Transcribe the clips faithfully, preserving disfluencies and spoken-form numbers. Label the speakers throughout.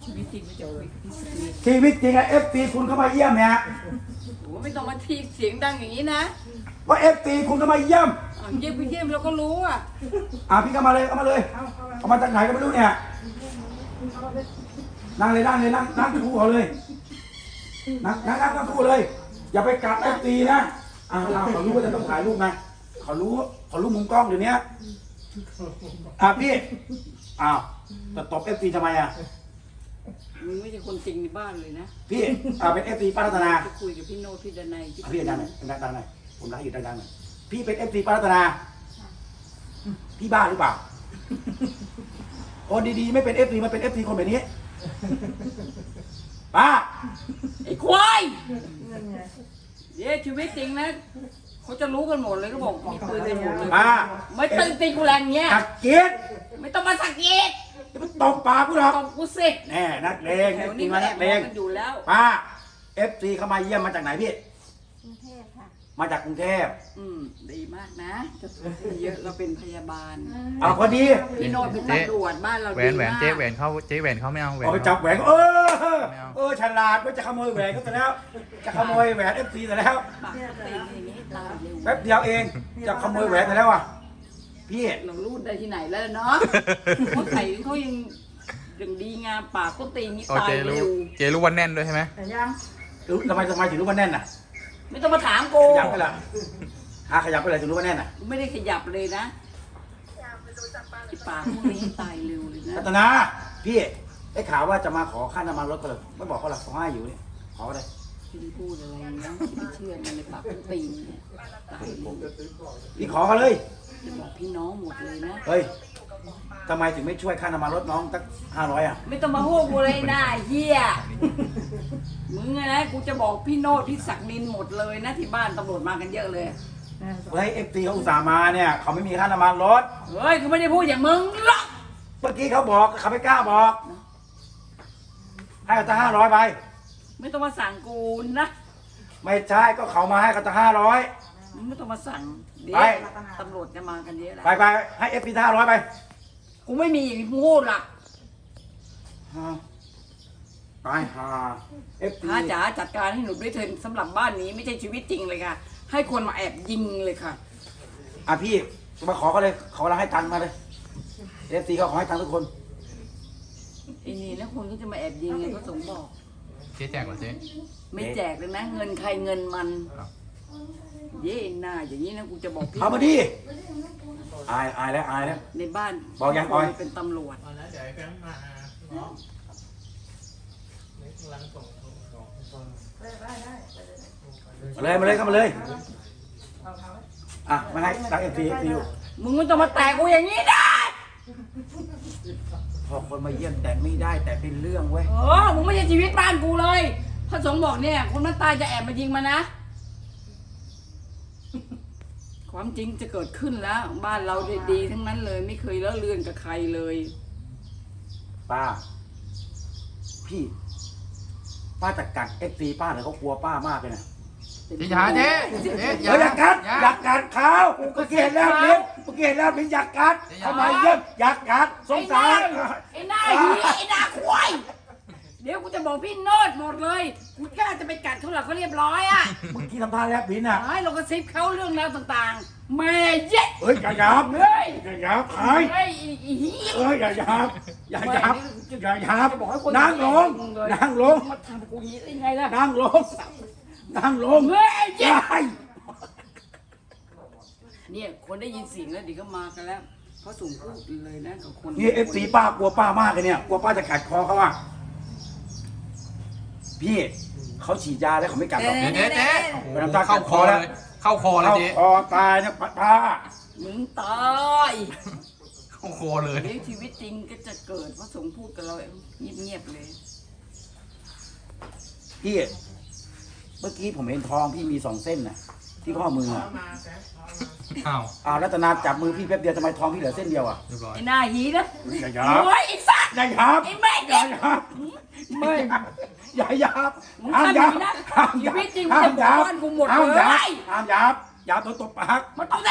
Speaker 1: ชีวิตจริงไม่จะคุยกับพี่สกี
Speaker 2: ชีวิตจริงอะเอฟซีคุณเข้ามาเยี่ยมเนี่ย
Speaker 1: โอ้ไม่ต้องมาทีเสียงดังอย่างนี้นะ
Speaker 2: ว่าเอฟซีคุณเข้ามาเยี่ยม
Speaker 1: อ้าวเยี่ยมไปเยี่ยมเราก็รู้อ่ะ
Speaker 2: อ่ะพี่เข้ามาเลยเข้ามาเลยเข้ามาจากไหนก็ไม่รู้เนี่ยนั่งเลยนั่งเลยนั่งนั่งคู่เขาเลยนั่งนั่งนั่งนั่งคู่เลย อย่าไปกัดเอฟซีนะอ่าเขารู้ว่าจะต้องถ่ายรูปนะเขารู้เขารู้มุมกล้องเดี๋ยวนี้อ่ะพี่อ้าวจะตบเอฟซีทำไมอ่ะ
Speaker 1: มึงไม่ใช่คนจริงในบ้านเลยนะ
Speaker 2: พี่อ่าเป็นเอฟซีป้ารัตนา
Speaker 1: จะคุยกับพี่โนพี่ดนัย
Speaker 2: อ่ะพี่ดังหน่อยดังดังหน่อยผมรักอยู่ดังดังหน่อยพี่เป็นเอฟซีป้ารัตนาพี่บ้าหรือเปล่าคนดีๆไม่เป็นเอฟซีมันเป็นเอฟซีคนแบบนี้ป้า
Speaker 1: ไอ้ควายเย้ชีวิตจริงนะเขาจะรู้กันหมดเลยก็บอกมีปืนกันหมดเลย
Speaker 2: ป้า
Speaker 1: ไม่ตึงตีกูแรงเงี้ย
Speaker 2: สักเกียรติ
Speaker 1: ไม่ต้องมาสักเย็ด
Speaker 2: จะไปตบปากกูหรอก
Speaker 1: ตบกูสิ
Speaker 2: แน่นักเลง
Speaker 1: แถ
Speaker 2: เอ
Speaker 1: ว
Speaker 2: ฟซี
Speaker 1: นี้
Speaker 2: มา
Speaker 1: แอ
Speaker 2: นั
Speaker 1: บ
Speaker 2: ก
Speaker 1: ม
Speaker 2: เล
Speaker 1: อง
Speaker 2: ง
Speaker 1: กันอยู่แล้ว
Speaker 2: ป้าเอฟซีเข้ามาเยี่ยมมาจากไหนพี่
Speaker 3: กรุงเทพค่ะ
Speaker 2: มาจากกรุงเทพ
Speaker 1: อืมดีมากนะจะเยอะเราเป็นพยาบาล
Speaker 2: เอาพอดี
Speaker 1: พี่โนเป็นตำรวจบ้านเรา
Speaker 4: แหว
Speaker 1: ดี
Speaker 4: นแหวน
Speaker 1: มาก
Speaker 4: เจ๊แหวนเขาเจ๊แหวนเขาไม่เอาแหวน
Speaker 2: เอาไป
Speaker 4: เขา
Speaker 2: จับแหวนเออ
Speaker 4: ไม่เอา
Speaker 2: เออฉลาดว่าจะขโมยแหวนก็ซะแล้วจะขโมยแหวนเอฟซีซะแล้ว
Speaker 1: ปากตีอย่างนี้ตายเร็ว
Speaker 2: แป๊บเดียวเองจะขโมยแหวนซะแล้วอ่ะพี่
Speaker 1: เรารูดได้ที่ไหนแล้วเนาะเขาใส่เขายังยังดีงามปากก็ตีนี้
Speaker 4: อ๋อ
Speaker 1: ตาย
Speaker 4: เจ๊รู้
Speaker 1: เร็ว
Speaker 4: เจ๊รู้ว่าแน่นด้วยใช่ไหม
Speaker 3: แต่ยัง
Speaker 2: รู้ทำไมทำไมถึงรู้ว่าแน่นน่ะ
Speaker 1: ไม่ต้องมาถามกู
Speaker 2: ขยับไปละหาขยับไปเลยถึงรู้ว่าแน่นน่ะ
Speaker 1: ไม่ได้ขยับเลยนะไอ้ปากพวกนี้ตายเร็วเลยนะ
Speaker 2: รัตนาพี่ได้ข่าวว่าจะมาขอค่าน้ำมันรถก็เลยไม่บอกเขาหรอกเขาให้อยู่นี่ขอเลย
Speaker 1: พี่พูดอะไรนะพี่ไม่เชื่อมันในปากก็ตีนเนี่ยตายเร็ว
Speaker 2: พี่ขอเขาเลย
Speaker 1: จะบอกพี่น้องหมดเลยนะ
Speaker 2: เฮ้ยทำไมถึงไม่ช่วยค่าน้ำมันรถน้องตั้งห้าร้อยอ่ะ
Speaker 1: ไม่ต้องมาโหกูเลยนะไอ้เฮียมึงอะนะกูจะบอกพี่โนดพี่ศักดินหมดเลยนะที่บ้านตำรวจมากันเยอะเลย
Speaker 2: เฮ้ยเอฟซีเขาอุตส่าห์มาเนี่ยเขาไม่มีค่าน้ำมันรถ
Speaker 1: เฮ้ยกูไม่ได้พูดอย่างมึงหรอก
Speaker 2: เมื่อกี้เขาบอกเขาไม่กล้าบอกให้เขาตั้งห้าร้อยไป
Speaker 1: ไม่ต้องมาสั่งกูนะ
Speaker 2: ไม่ใช่ก็เขามาให้เขาตั้งห้าร้อย
Speaker 1: มึงไม่ต้องมาสั่งเดี๋ย
Speaker 2: ไป
Speaker 1: วตำรวจจะมากันเยอะแล้ว
Speaker 2: ไปไปให้เอฟซีห้าร้อยไป
Speaker 1: กูไม่มีอย่างที่พูดหรอก
Speaker 2: ตายห่าเอฟซี
Speaker 1: พระจ๋าจัดการให้หนูด้วยเถิดสำหรับบ้านนี้ไม่ใช่ชีวิตจริงเลยค่ะ ให้คนมาแอบยิงเลยค่ะ
Speaker 2: อ่ะพี่มาขอเขาเลยขอเราให้ตังค์มาเลยเอฟซีเขาขอให้ตังค์ทุกคน
Speaker 1: ไอ้นี่แล้วคนก็จะมาแอบยิงไงก็สงบอก
Speaker 4: เจ๊แจกเหรอเจ๊
Speaker 1: ไม่แจกเลยนะ เงินใครเงินมัน
Speaker 4: ครับ
Speaker 1: เย้หน้าอย่างนี้นะกูจะบอกพี่
Speaker 2: เอามาดิอายอายแล้วอายแล้ว
Speaker 1: ในบ้าน
Speaker 2: บอกยังออย
Speaker 1: เป็นตำรวจ
Speaker 5: แล้วเดี๋ยวไอ้แฟมมาเนาะนี่กำลังส่งส่งส่งส่ง
Speaker 2: มาเลยมาเลยเข้ามาเลยอ่ะมาให้ตังเอฟซีเอฟซีอยู่
Speaker 1: มึงไม่ต้องมาแตกกูอย่างนี้นะ
Speaker 2: พอคนมาเยี่ยมแต่ไม่ได้แต่เป็นเรื่องเว้ย
Speaker 1: เออมึงไม่ใช่ชีวิตบ้านกูเลยพระสงฆ์บอกเนี่ยคนมันตายจะแอบมายิงมานะ ความจริงจะเกิดขึ้นแล้ว บ้านเราดีๆทั้งนั้นเลย ไม่เคยเลอะเลือนกับใครเลย
Speaker 2: ป้า พี่ ป้าจัดการเอฟซีป้าเลยเขากลัวป้ามากเลยนะ
Speaker 4: เจ๊อย่าเจ๊เจ๊
Speaker 2: เฮ้ยอยากกัดอยากกัดเขาเมื่อกี้เห็นแล้วลิ้นเมื่อกี้เห็นแล้วลิ้นอยากกัดทำไมเยี่ยมอยากกัดสงสาร
Speaker 1: ไอ้หน้าหีไอ้หน้าควายเดี๋ยวกูจะบอกพี่โนดหมดเลยกูกล้าจะไปกัดเขาหรอกเขาเรียบร้อยอ่ะ
Speaker 2: เมื่อกี้ทำท่าแลบลิ้นอ่ะ
Speaker 1: ให้เรากระซิบเขาเรื่องราวต่างๆแม่เย็ด
Speaker 2: เฮ้ยอย่าหยาบ
Speaker 1: เฮ้ย
Speaker 2: อย่าหยาบขาย
Speaker 1: เฮ้ยอีหี
Speaker 2: เอ้ยอย่าหยาบอย่าหยาบอย่าหยาบ
Speaker 1: จะบอกให้คน
Speaker 2: นั่งลงนั่งลง
Speaker 1: มาทำกูหีได้ไงล่ะ
Speaker 2: นั่งลงนั่งลง
Speaker 1: เฮ้ย
Speaker 2: ใช่
Speaker 1: เนี่ยคนได้ยินเสียงแล้วเดี๋ยวก็มากันแล้วเพราะสูงพูดเลยนะกับคน
Speaker 2: นี่เอฟซีป้ากลัวป้ามากเลยเนี่ยกลัวป้าจะกัดคอเขาอ่ะพี่เขาฉีดยาแล้วเขาไม่กัดหรอก
Speaker 4: เจ๊เจ๊เจ๊โอ้โห
Speaker 2: เป็นน้ำตา
Speaker 4: เข้าคอ
Speaker 2: แล้
Speaker 4: เล
Speaker 2: ว
Speaker 4: ยเข้าคอเลย
Speaker 2: เข้า
Speaker 4: เจ๊
Speaker 2: คอตายเนี่ยป้า
Speaker 1: มึงตาย
Speaker 4: เข้าคอเลย
Speaker 1: เดี๋ยวชีวิตจริงก็จะเกิดเพราะสงฆ์พูดกับเราเงียบๆเลย
Speaker 2: พี่เมื่อกี้ผมเห็นทองพี่มีสองเส้นน่ะที่ข้อมืออ่ะ
Speaker 5: มาแฟมเอามา
Speaker 4: อ้าว
Speaker 2: อ้าวรัตนาจับมือพี่แป๊บเดียวทำไมทองพี่เหลือเส้นเดียวอ่ะ
Speaker 4: เรียบร้อย
Speaker 1: ไอ้หน้าหีนะ
Speaker 2: อย่าหยาบ
Speaker 1: โอ้ยไอ้สัตว์
Speaker 2: อย่าหยาบ
Speaker 1: ไอ้แม่
Speaker 2: อ
Speaker 1: เด็
Speaker 2: ย่าก หยาบ
Speaker 1: ไม่
Speaker 2: อย่าหยาบ
Speaker 1: มึง
Speaker 2: ห้าม
Speaker 1: ทำอ
Speaker 2: ห
Speaker 1: ย่าง
Speaker 2: ยาบ
Speaker 1: นี้นะ
Speaker 2: ห้าม
Speaker 1: ชี
Speaker 2: หยาบ
Speaker 1: วิตจริง
Speaker 2: ห้า
Speaker 1: จะ
Speaker 2: ม
Speaker 1: บ
Speaker 2: ห
Speaker 1: อก
Speaker 2: ยาบ
Speaker 1: บ้านกูหมด
Speaker 2: ห้าม
Speaker 1: เล
Speaker 2: หยาบ
Speaker 1: ย
Speaker 2: ห้ามหยาบหยาบโดนตบปาก
Speaker 1: มันต้องได้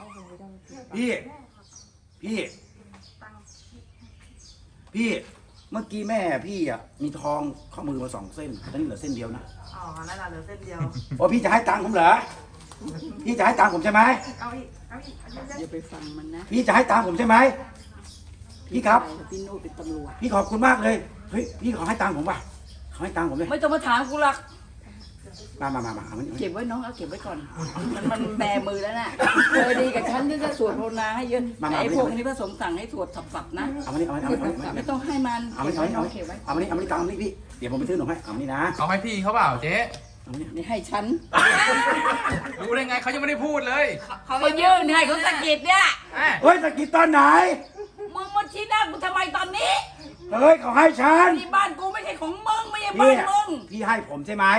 Speaker 2: พี่ พี่ พี่เมื่อกี้แม่พี่อ่ะมีทองข้อมือมาสองเส้นตอนนี้เหลือเส้นเดียวนะ
Speaker 3: อ๋อนั่นแหละเหลือเส้นเดียว
Speaker 2: โอ้พี่จะให้ตังค์ผมเหรอพี่จะให้ตังค์ผมใช่ไหม
Speaker 3: เอาอีกเอาอีกเอาอีก
Speaker 1: อย่าไปฟังมันนะ
Speaker 2: พี่จะให้ตังค์ผมใช่ไหมพี่ครับ
Speaker 1: พี่โน้ตเป็นตำรวจ
Speaker 2: พี่ขอบคุณมากเลยเฮ้ยพี่ขอให้ตังค์ผมป่ะขอให้ตังค์ผมเลย
Speaker 1: ไม่ต้องมาถามกูหรอก
Speaker 2: มามามามาเอามานี่
Speaker 1: เก็บไว้น้องเอาเก็บไว้ก่อน มันมันแบมือแล้วน่ะเคยดีกับฉันที่จะสวดภาวนาให้เยอะแต่ไอ้พวกนี้พระสงฆ์สั่งให้สวดสับๆนะ
Speaker 2: เอามานี่เอามานี่เอามานี่เอามา
Speaker 1: ไม่
Speaker 2: นี่
Speaker 1: ต้องให้มัน
Speaker 2: เอามานี่เอามานี่
Speaker 1: น้องเก็บไว้
Speaker 2: เอามานี่เอามานี่ตังค์นี่พี่เดี๋ยวผมไปซื้อขนมให้เอามานี่นะ
Speaker 4: เอาให้พี่เขาเปล่าเจ๊
Speaker 2: เอามานี่
Speaker 1: นี่ให้ฉัน
Speaker 4: รู้ได้ไงเขายังไม่ได้พูดเลย
Speaker 1: เขายื่นให้เขาสะกิดเนี่ย
Speaker 4: แม่
Speaker 2: เฮ้ยตะกี้ตอนไหน
Speaker 1: มึงมาชี้หน้ากูทำไมตอนนี้
Speaker 2: เฮ้ยเขาให้ฉัน
Speaker 1: นี่บ้านกูไม่ใช่ของมึงไม่ใช่บ้า
Speaker 2: พี่
Speaker 1: นมึง
Speaker 2: พี่ให้ผมใช่ไหม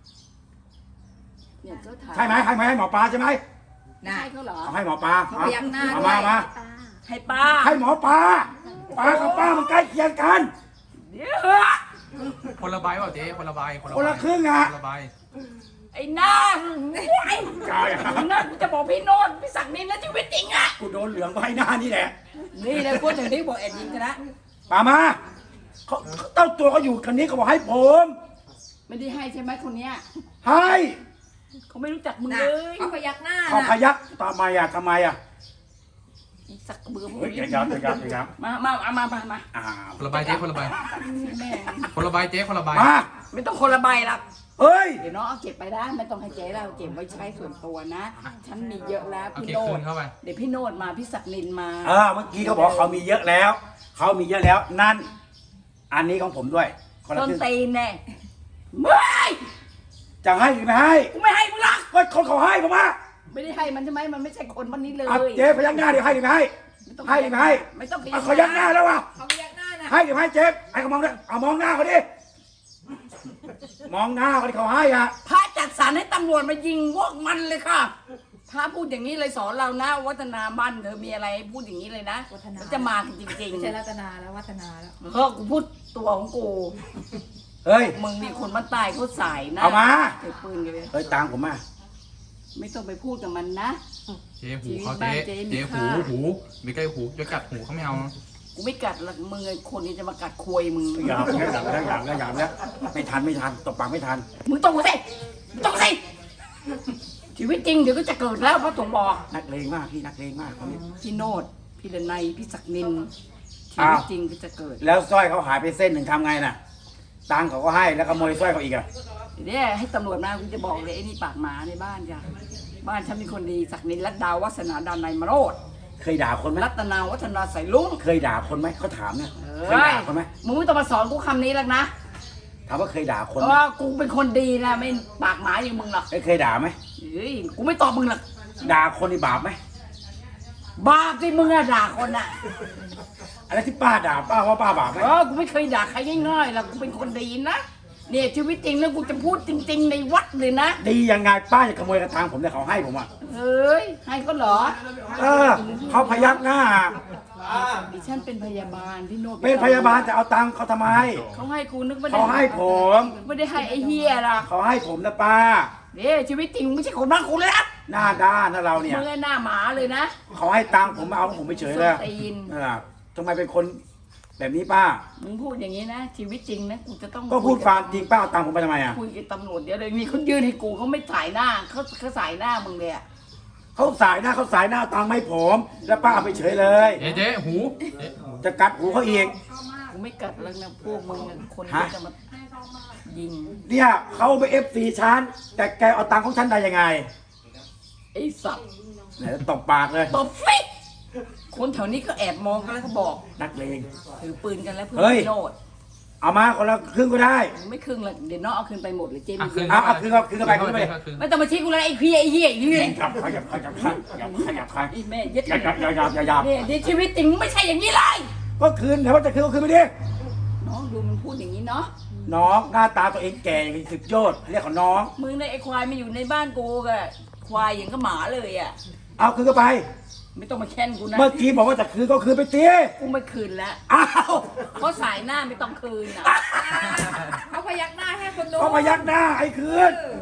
Speaker 1: เนี่ยเจ้าถาม
Speaker 2: ใช่ไหมให้ไหมให้หมอปลาใช่ไหม
Speaker 1: ให้เขาเหรอ
Speaker 2: เอาให้หมอปลา
Speaker 3: เขาพยักหน้า
Speaker 2: เอา
Speaker 3: ด้ว
Speaker 2: มาย เอามา
Speaker 1: ให้ป้า
Speaker 2: ให้หมอปลาปลากับป้ามันใกล้เคียงกัน
Speaker 1: เดี๋ยวเหอะ
Speaker 4: คนละใบเปล่าเจ๊คนละใบ
Speaker 2: คนละครึ่งอะ
Speaker 4: คนละใบ
Speaker 1: ไอ้หน้าไอ้
Speaker 2: ใช่อะ
Speaker 1: หน้ากูจะบอกพี่โน้ตพี่ศักดิ์นินนะชีวิตจริงอ่ะ
Speaker 2: กูโดนเหลืองไว้หน้านี่แหละ
Speaker 1: นี่เลยคนอย่างที่บอกแอดยิงกันนะ
Speaker 2: ป่ามาเขาเขาเต้าตัวเขาอยู่คันนี้เขาบอกให้ผม
Speaker 1: ไม่ได้ให้ใช่ไหมคนเนี้ย
Speaker 2: ให้
Speaker 1: เขาไม่รู้จักมึง
Speaker 3: น่ะ
Speaker 1: เลย
Speaker 3: เขาพยักหน้า
Speaker 2: เขาพ
Speaker 3: น่ะ
Speaker 2: ยักทำไมอะทำไมอะ
Speaker 1: ไอ้สักกระเบือพวก
Speaker 2: เฮ้ยอ
Speaker 1: นี้
Speaker 2: ย่ายับอย่ายับอย่ายับ
Speaker 1: มามาเอามามามา
Speaker 2: อ่า
Speaker 4: คนละใบเจ๊คนละใบ
Speaker 1: แม่ง
Speaker 4: คนละใบเจ๊คนละใบ
Speaker 2: มา
Speaker 1: ไม่ต้องคนละใบหรอก
Speaker 2: เฮ้ย
Speaker 1: เดี๋ยวน้องเอาเก็บไปได้ไม่ต้องให้เจ๊เราเก็บไว้ใช้ส่วนตัวนะ ฉันมีเยอะแล้ว
Speaker 4: เอา
Speaker 1: พี่
Speaker 4: เก็บ
Speaker 1: โน้
Speaker 4: คื
Speaker 1: ต
Speaker 4: นเข้าไป
Speaker 1: เดี๋ยวพี่โน้ตมาพี่ศักดิ์นินมา
Speaker 2: เออเมื่อกี้เขาบอกเขามีเยอะแล้วเขามีเยอะแล้วนั่น อันนี้ของผมด้วยคนละ
Speaker 1: ต้น
Speaker 2: ครึ่ง
Speaker 1: ตีนแน่ไม่
Speaker 2: จะให้หรือไม่ให้
Speaker 1: กูไม่ให้มึงหรอก
Speaker 2: ก็คนเขาให้ผมว่า
Speaker 1: ไม่ได้ให้มันใช่ไหมมันไม่ใช่คนวันนี้เลย
Speaker 2: อ่ะเจ๊พยักหน้าเดี๋ยวให้หรือไม่ให้
Speaker 1: ไม่ต้อง
Speaker 2: ให้หรือไม่ให้
Speaker 1: ไม่ต้อง
Speaker 2: อ่ะเขายักหน้าแล้วว่ะ
Speaker 3: เขาพยักหน้าน่ะ
Speaker 2: ให้หรือไม่ให้เจ๊ให้เขามองด้วยเอามองหน้าเขาดิมองหน้าเขาที่เขาให้อ่ะ
Speaker 1: พระจัดสรรให้ตำรวจมายิงพวกมันเลยค่ะพระพูดอย่างนี้เลยสอนเรานะ วัฒนาบ้านเธอมีอะไรพูดอย่างนี้เลยนะมันจะมากันจริง
Speaker 3: ไม่ใช่รัตนาแล้ววัฒนาแล้ว
Speaker 1: ๆเพราะกูพูดตัวของกู
Speaker 2: เฮ้ย
Speaker 1: มึงมีคนบ้านใต้เขาสายนะ
Speaker 2: เอามา
Speaker 1: เก็บปืนกันเลย
Speaker 2: เฮ้ยตังค์ผมมา
Speaker 1: ไม่ต้องไปพูดกับมันนะ
Speaker 4: เจ๊หูเขาเจ๊
Speaker 1: เจ๊มี
Speaker 4: เจ๊หู
Speaker 1: ค่า
Speaker 4: หูไม่ใกล้หูจะกัดหูเขาไม่เอานะ
Speaker 1: กูไม่กัดหรอกมึงไอ้คนนี้จะมากัดควยมึง
Speaker 2: อย่าแล้วอย่าแล้วอย่าแล้วอย่าแล้วไม่ทันไม่ทันตบปากไม่ทัน
Speaker 1: มึงต้องสิมึงต้องสิชีวิตจริงเดี๋ยวก็จะเกิดแล้วพระสงฆ์บอก
Speaker 2: นักเลงมากพี่นักเลงมากคนนี้
Speaker 1: พี่โนดพี่ดนัยพี่ศักดิ์นินชี
Speaker 2: อ้าว
Speaker 1: วิตจริงก็จะเกิด
Speaker 2: แล้วสร้อยเขาหายไปเส้นหนึ่งทำไงน่ะตังค์เขาก็ให้แล้วขโมยสร้อยเขาอีกอ่ะ
Speaker 1: เดี๋ยวเนี่ยให้ตำรวจมากูจะบอกเลยไอ้นี่ปากหมาในบ้านจ้ะบ้านฉันมีคนดีศักดิ์นินรัตดาวัฒนาดานในยมโรด
Speaker 2: เคยด่าคนไหม
Speaker 1: รัตนาวัฒนาใส่ลุง
Speaker 2: เคยด่าคนไหมเขาถามเนี่ย
Speaker 1: เอ
Speaker 2: เคยด่าคนไหม
Speaker 1: มึงไม่ต้องมาสอนกูคำนี้แล้วนะ
Speaker 2: ถามว่าเคยด่าคน
Speaker 1: เพ
Speaker 2: ไหม
Speaker 1: ราะว่ากูเป็นคนดีนะไม่ปากหมาอย่างมึงหรอก
Speaker 2: เอ้ยเคยด่าไหม
Speaker 1: เฮ้ยกูไม่ตอบมึงหรอก
Speaker 2: ด่าคนนี่บาปไหม
Speaker 1: บาปที่มึงอะด่าคนอะ
Speaker 2: อะไรที่ป้าด่าป้าว่าป้าบาปไหม
Speaker 1: เออกูไม่เคยด่าใครง่ายๆหรอกกูเป็นคนดีนะเนี่ยชีวิตจริงแล้วกูจะพูดจริง ๆ ในวัดเลยนะ
Speaker 2: ดียังไงป้าจะขโมยกระทางผมเนี่ยเขาให้ผมอ่ะ
Speaker 1: เฮ้ยให้เขาเหรอ
Speaker 2: เออเขาพยักหน้า
Speaker 1: ดิฉันเป็นพยาบาลพี่โนต
Speaker 2: เป็นพยาบาลจะเอาตังค์เขาทำไม
Speaker 1: เขาให้กูนึกว่า
Speaker 2: เขาให้ผม
Speaker 1: ไม่ได้ให้ไอ้เฮียหรอก
Speaker 2: เขาให้ผมนะป้า
Speaker 1: เนี่ยชีวิตจริงมึงไม่ใช่คนบ้าคุณเลยนะ
Speaker 2: หน้าด้านนะเราเนี่ย
Speaker 1: มึงไอ้หน้าหมาเลยนะ
Speaker 2: เขาให้ตังค์ผมมาเอาของผมไปเฉยเลย
Speaker 1: ส้นตีน
Speaker 2: เออทำไมเป็นคนแบบนี้ป้า
Speaker 1: มึงพูดอย่างนี้นะ ชีวิตจริงนะกูจะต้อง
Speaker 2: ก็พูดความจริงป้าเอาตังค์ผมไปทำไมอ่ะ
Speaker 1: คุยกับตำรวจเดี๋ยวเลยนี่เขายืนให้กูเขาไม่ถ่ายหน้าเขาเขาสายหน้ามึงเลยอะ
Speaker 2: เขาสายหน้าเขาสายหน้าเอาตังค์ไม่ผม แล้วป้าเอาไปเฉยเลย
Speaker 4: เจ๊เจ๊หูเจ๊
Speaker 2: จะกัดหูเขาอีก
Speaker 1: กูไม่กัดแล้วนะพวกมึงอะคน
Speaker 2: ฮะ
Speaker 1: ที่จะมายิง
Speaker 2: เนี่ยเขาไปเอฟซีฉันแต่แกเอาตังค์ของฉันได้ยังไง
Speaker 1: ไอ้สัตว์
Speaker 2: เนี่ยตบปากเลย
Speaker 1: ตบฟิกคนแถวนี้ก็แอบมองกันแล้วก็บอก
Speaker 2: นักเลง
Speaker 1: ถือปืนกันแล้วเพื่อ
Speaker 2: เฮ้ย
Speaker 1: พี่โนด
Speaker 2: เอามาคนละครึ่งก็ได้
Speaker 1: ไม่ครึ่งละเดี๋ยวน้องเอาคืนไปหมดเลยเจม
Speaker 4: อ่ะ
Speaker 1: ส์
Speaker 4: คืน
Speaker 2: เอาเอาคืนเอาคืนเข้าไปคืนเข้าไป
Speaker 4: คืน
Speaker 1: ไม่ต้องมาชี้กูแล้วไอ้เพี้ยไอ้เหี้ยไอ้เหี้ย
Speaker 2: ขยับขยับขยับขยับขยับขยับ
Speaker 1: ไอ้แม่เย็ด
Speaker 2: อย่าอย่าอย่าอย่าอย่า
Speaker 1: เนี่ยเดี๋ยวชีวิตจริงไม่ใช่อย่างนี้เลย
Speaker 2: ก็คืนแต่ว่าจะคืนก็คืนไปดิ
Speaker 1: น้องดูมันพูดอย่างนี้เนาะ
Speaker 2: น้องหน้าตาตัวเองแก่อย่างสิบยอดเรียกเขาน้อง
Speaker 1: มึงในยไอ้ควายมาอยู่ในบ้านกูกะควายอย่างก็หมาเลยอ่ะ
Speaker 2: เอาคืนก็ไป
Speaker 1: ไม่ต้องมาแค้นกูนะ
Speaker 2: เมื่อกี้บอกว่าจะคืนก็คืนไปตี
Speaker 1: กูไม่คืนแล้ว
Speaker 2: อ้าว
Speaker 1: เพราะสายหน้าไม่ต้องคืนอ่ะ
Speaker 3: เขาพยักหน้าให้คนดู
Speaker 2: เขาพยักหน้าไอ้คืน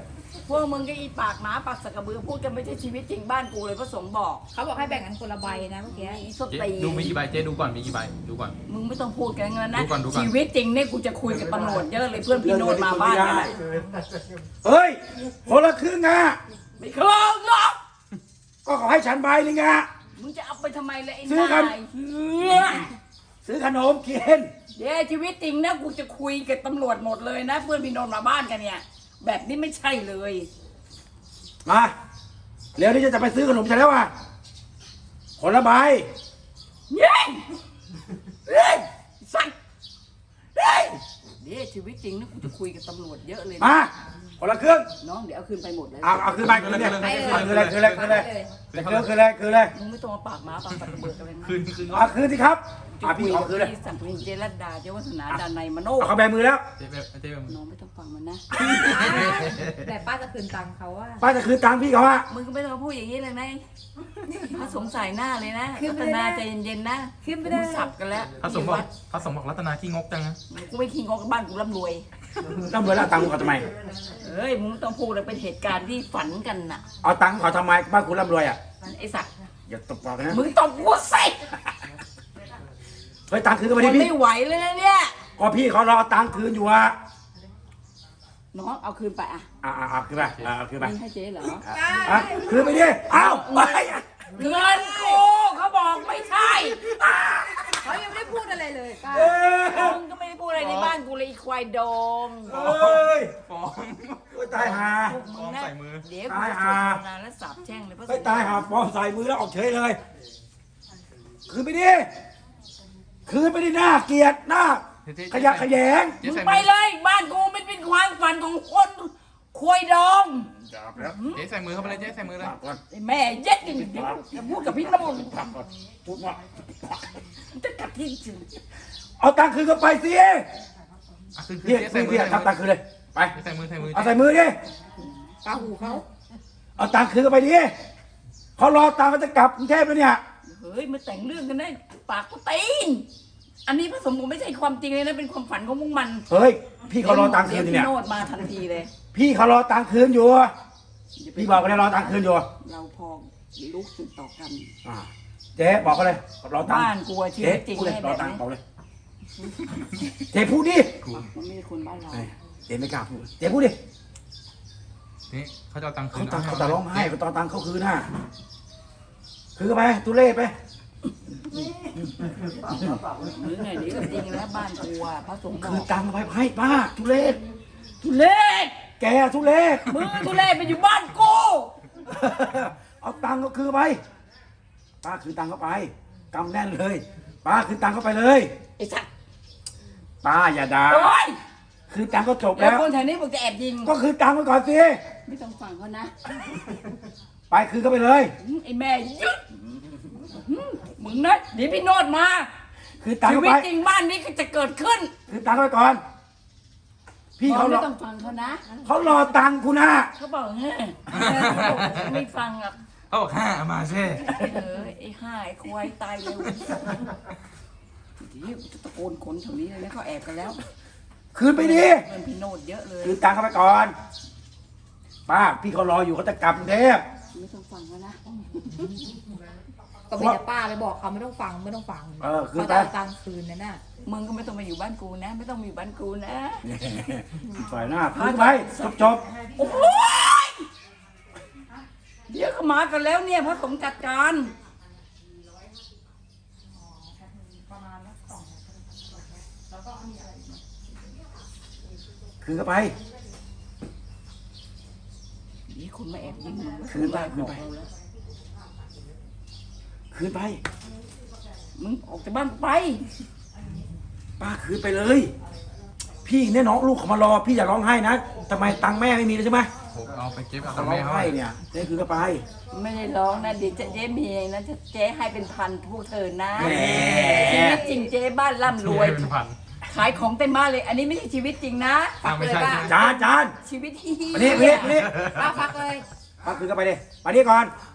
Speaker 1: พวกมึงก็อีปากหมาปากสักกระเบือพูดกันไม่ใช่ชีวิตจริงบ้านกูเลยพระสงฆ์บอก
Speaker 3: เขาบอกให้แบ่งกันคนละใบนะเมื่อกี้
Speaker 1: อีส
Speaker 4: เจ๊
Speaker 1: ตี
Speaker 4: ดูมีกี่ใบเจ๊ดูก่อนมีกี่ใบดูก่อน
Speaker 1: มึงไม่ต้องพูดกันงั้นนะ
Speaker 4: ดูก่อนดูก่อน
Speaker 1: ชีวิตจริงเนี่ยกูจะคุยกับตำรวจเยอะเลยเพื่อนพี่โนดมาบ้านกันนะ
Speaker 2: เฮ้ยคนละครึ่งอ่ะ
Speaker 1: ไม่เคยหรอก
Speaker 2: ก็ขอให้ฉันใบหนึงอ่ะ
Speaker 1: มึงจะเอาไปทำไมเลยไอ้
Speaker 2: ซื้อกัน
Speaker 1: นายเฮีย
Speaker 2: ซื้อขนมกิน
Speaker 1: เดี๋ยวชีวิตจริงนะกูจะคุยกับตำรวจหมดเลยนะ เพื่อนพี่โนดมาบ้านกันเนี่ย แบบนี้ไม่ใช่เลย
Speaker 2: มาเร็วนี่จะไปซื้อขนมฉันแล้วอ่ะคนละใบ
Speaker 1: เย้เฮ้ยสั่งเฮ้ยเดี๋ยวชีวิตจริงนะกูจะคุยกับตำรวจเยอะเลยนะ
Speaker 2: มาคนละครึ่ง
Speaker 1: น้องเดี๋ยวเอาคืนไปหมดเลย
Speaker 2: เอาเอาคืนไปคืนเนี่ย
Speaker 3: ไปเลย
Speaker 2: คืนเลยคืนเลยคืนเลยคืนเลยคืนเลยคืนเลย
Speaker 1: มึงไม่ต้องมาปากหมาปากสัตว์เบิกอะไรนะ
Speaker 4: คืนคืน
Speaker 2: เอาคืนสิครับ
Speaker 1: จะ
Speaker 2: อ่ะ
Speaker 1: คุ
Speaker 2: พี่
Speaker 1: ย
Speaker 2: ขอ
Speaker 1: กับ
Speaker 2: คืนเลย
Speaker 1: พี่สัมพันธ์เจรัตดาเจ้าวัฒนาดานในยมโน
Speaker 2: เอาเขาแบมือแล้ว
Speaker 4: เจ๊แบบเจ๊แบบ
Speaker 1: น้องไม่ต้องฟังมันนะ
Speaker 3: แต่ป้าจะคืนตังค์เขาว่า
Speaker 2: ป้าจะคืนตังค์พี่เขาอ่ะ
Speaker 1: มึงก็ไม่ต้องมาพูดอย่างนี้เลยนะพระสงฆ์ใส่หน้าเลยนะรัตนาใจเย็นๆนะ
Speaker 3: ขึ้นไม่ได้
Speaker 1: กูสับกันแล้ว
Speaker 4: พระสงฆ์บอกพระสงฆ์บอกรัตนาขี้งกจังนะ
Speaker 1: กูไม่ขี้งกกับบ้านกูร่ำรวย
Speaker 2: แล้วเบอร์แล้วตังค์เขาทำไม
Speaker 1: เอ้ยมึงไม่ต้องพูดเลยเป็นเหตุการณ์ที่ฝันกันน่ะ
Speaker 2: เอาตังค์เขาทำไมบ้านคุณร่ำรวยอ่ะ
Speaker 1: ไอ้สัตว์
Speaker 2: อย่าตบปากนะ
Speaker 1: มึงต้องพูดสิ
Speaker 2: เฮ้ยตังค์คืนก็
Speaker 1: มั
Speaker 2: ไม่
Speaker 1: น
Speaker 2: ได้พี่
Speaker 1: ไม่ไหวเลยนะเนี่ย
Speaker 2: ก็พี่เขารอตังค์คืนอยู่อ่ะ
Speaker 1: น้องเอาคืนไปอ่ะ
Speaker 2: อ่าอ่าคืนไปอ่าคืนไป
Speaker 1: นี่ให้เจ๊เหรอ
Speaker 2: อ่ะคืนไปดิเอ้าไป
Speaker 1: เงินกูเขาบอกไม่ใช่
Speaker 3: เขายังไม่ได้พูดอะไรเลยป้า
Speaker 2: เอ้ย
Speaker 1: มึงก็ไม่ได้พูดอะไรในบ้านกูเลยอีควายดง
Speaker 2: เอ้ย
Speaker 4: ฟ้อง
Speaker 2: โอ้ยตายหา
Speaker 1: พวกมึงนะ
Speaker 4: ใส่มือ
Speaker 1: เดี๋ยวกู
Speaker 2: ตาย
Speaker 1: จะ
Speaker 2: ห่า
Speaker 1: ทำงานแล้วสาบแช่งเลยพระส
Speaker 2: เฮ้ย
Speaker 1: งฆ์
Speaker 2: ตายหาฟอมใส่มือแล้วออกเฉยเลย คืนไปดิคืนไปดิหน้าเกลียดหน้า
Speaker 4: เจ๊เจ๊
Speaker 2: ขยะแขยง
Speaker 4: เจ๊
Speaker 1: มึง
Speaker 4: ใส่
Speaker 1: ไป
Speaker 4: มือ
Speaker 1: เลยบ้านกูมันเป็นความฝันของคนควายดอง
Speaker 2: จับแล้ว
Speaker 4: เจ๊ใส่มือเข้าไปเลยเจ๊ใส่มือเลย
Speaker 2: ก่อน
Speaker 1: ไอ้แม่เย็ดอย่างนี้จะพูดกับพี่น้ำมัน
Speaker 2: พูดว่า
Speaker 1: มันจะกัดที่จริง
Speaker 2: เอาตังค์คืนก็ไปสิ
Speaker 4: อ่ะคืนคืน
Speaker 2: พี่
Speaker 4: เจ๊ใส่
Speaker 2: พี่
Speaker 4: มือ
Speaker 2: พี่ทำตังค์คืนเลยไป
Speaker 4: เจ๊ใส่มือใส่มือ
Speaker 2: เอาใส่มือดิ
Speaker 3: ป้าหูเขา
Speaker 2: เอาตังค์คืนก็ไปดิเขารอตังค์เขาจะกลับกรุงเทพแล้วเนี่ย
Speaker 1: เฮ้ยมาแต่งเรื่องกันได้ปากกูตีนอันนี้ผสมกูไม่ใช่ความจริงเลยนะเป็นความฝันของพวกมัน
Speaker 2: เฮ้ยพี่เขารอตังค์คืน
Speaker 1: ดี๋ว
Speaker 2: เนี่ย
Speaker 1: พี่โนดมาทันทีเลย
Speaker 2: พี่เขารอตังค์คืนอยู่พี่บอกเขาเลยรอตังค์คืนอยู่
Speaker 1: เราพอลูกสืบต่อกัน
Speaker 2: อ่าเจ๊บอกเขาเลยรอตังค์
Speaker 1: บ้านกูอะชี
Speaker 2: เจ๊
Speaker 1: วิตจริง
Speaker 2: พูดเลย
Speaker 1: แน่
Speaker 2: รอ
Speaker 1: แบบ
Speaker 2: ตังค์
Speaker 1: นี้
Speaker 2: เขาเลยเจ๊พูดดิ
Speaker 1: มันไม่ใช่คนบ้านเรา
Speaker 2: เอ้ยเจ๊ไม่กล้าพูดเจ๊พูดดิ
Speaker 4: นี่เขาจะเอาตังค์คื
Speaker 2: เขา
Speaker 4: น
Speaker 2: ตังค์เขาจะร้องไห้เขาตอนตังค์เขาคืนน่ะคือไปทุเรศไป
Speaker 1: หรือไงนี่ก็จริงแล้วบ้านกูอะพระสงฆ์บอ
Speaker 2: คือก ตังค์ไปให้ป้าทุเรศ
Speaker 1: ทุเรศ
Speaker 2: แกทุเรศ
Speaker 1: มึงทุเรศไปอยู่บ้านกู
Speaker 2: เอาตังค์ก็คือไปป้าคือตังค์เขาไปกำแน่นเลยป้าคือตังค์เขาไปเลย
Speaker 1: ไอ้สัตว์
Speaker 2: ป้าอย่าด่า
Speaker 1: โอ๊ย
Speaker 2: คือตังค์ก็จบ
Speaker 1: แล้ว
Speaker 2: แล้ว
Speaker 1: คนแถวนี้บอกจะแอบยิง
Speaker 2: ก็คือตังค์ไปก่อนสิ
Speaker 1: ไม่ต้องฟังเขานะ
Speaker 2: ไปคือก็ไปเลย
Speaker 1: ไอ้แม่ยึดมึงนะเดี๋ยวพี่โนดมา
Speaker 2: คือตังค์
Speaker 1: ชี
Speaker 2: เขา
Speaker 1: วิต
Speaker 2: ไป
Speaker 1: จริงบ้านนี้ก็จะเกิดขึ้น
Speaker 2: คือตังค์ไปก่อน พี่เขาร
Speaker 1: ไม่
Speaker 2: อ
Speaker 1: ต้องฟังเขานะ
Speaker 2: เขารอตังค์คุณนะ
Speaker 1: เขาบอกเฮ้ยไม่ฟังอ่ะ
Speaker 4: เขาบอกห้ามาเช่
Speaker 1: เออไอ้ห่าไอ้ควายตายเร็วเดี๋ยวจะตะโกนคนแถวนี้เลยนะเขาแอบกันแล้ว
Speaker 2: คืนไปดิ
Speaker 1: เพื่อนพี่โนดเยอะเลย
Speaker 2: คือตังค์เขาไปก่อน ป้าพี่เขารออยู่เขาจะกลับกรุงเทพ
Speaker 1: ไม่ต้องฟังเขานะ
Speaker 3: ก็มีแต่ป้าเลยบอกเขาไม่ต้องฟังไม่ต้องฟัง
Speaker 2: เออคืน
Speaker 3: เขา
Speaker 2: ไป
Speaker 3: จะเอาตังค์คืนนั่นน่ะ
Speaker 1: มึงก็ไม่ต้องมาอยู่บ้านกูนะ ไม่ต้องมาอยู่บ้านกูนะ
Speaker 2: ฝ่ายหน้าคืนไปจบจบ
Speaker 1: โอ้ยเดี๋ยวเขามากันแล้วเนี่ยพระสงฆ์จัดการ
Speaker 2: คืนก็ไป
Speaker 1: นี่คุณมาแอบยิงมึง
Speaker 2: คืนไปคืนไป
Speaker 1: บอกเราแล้ว
Speaker 2: คืนไป
Speaker 1: มึงออกจากบ้านไป
Speaker 2: ป้าคืนไปเลย พี่เนี่ยน้องลูกเขามารอ พี่อย่าร้องไห้นะทำไมตังค์แม่ไม่มีเลยใช่ไหม
Speaker 4: ผมเอาไปเก็บเอา
Speaker 2: เขา
Speaker 4: ตังค์
Speaker 2: ร้อ
Speaker 4: แม่
Speaker 2: ง
Speaker 4: เขา
Speaker 2: ไห้เนี่ยเจ๊คืนก็ไป
Speaker 1: ไม่ได้ร้องนะเดี๋ยวเจ๊มีเองนะเจ๊ให้เป็นพันพวกเธอนะ
Speaker 2: แหม
Speaker 1: ชีวิตจริงเจ๊บ้านร่ำรวย
Speaker 4: เป็นพัน
Speaker 1: ขายของเต็มบ้านเลย อันนี้ไม่ใช่ชีวิตจริงนะ
Speaker 4: อ่ะไม่ใช่
Speaker 3: เลยป่ะ
Speaker 2: จานจาน
Speaker 1: ชีวิตที่
Speaker 2: มานี่มานี่มานี่
Speaker 3: ป้าฟักเลย
Speaker 2: ป้าคืนก็ไปดิมานี่ก่อน
Speaker 1: ม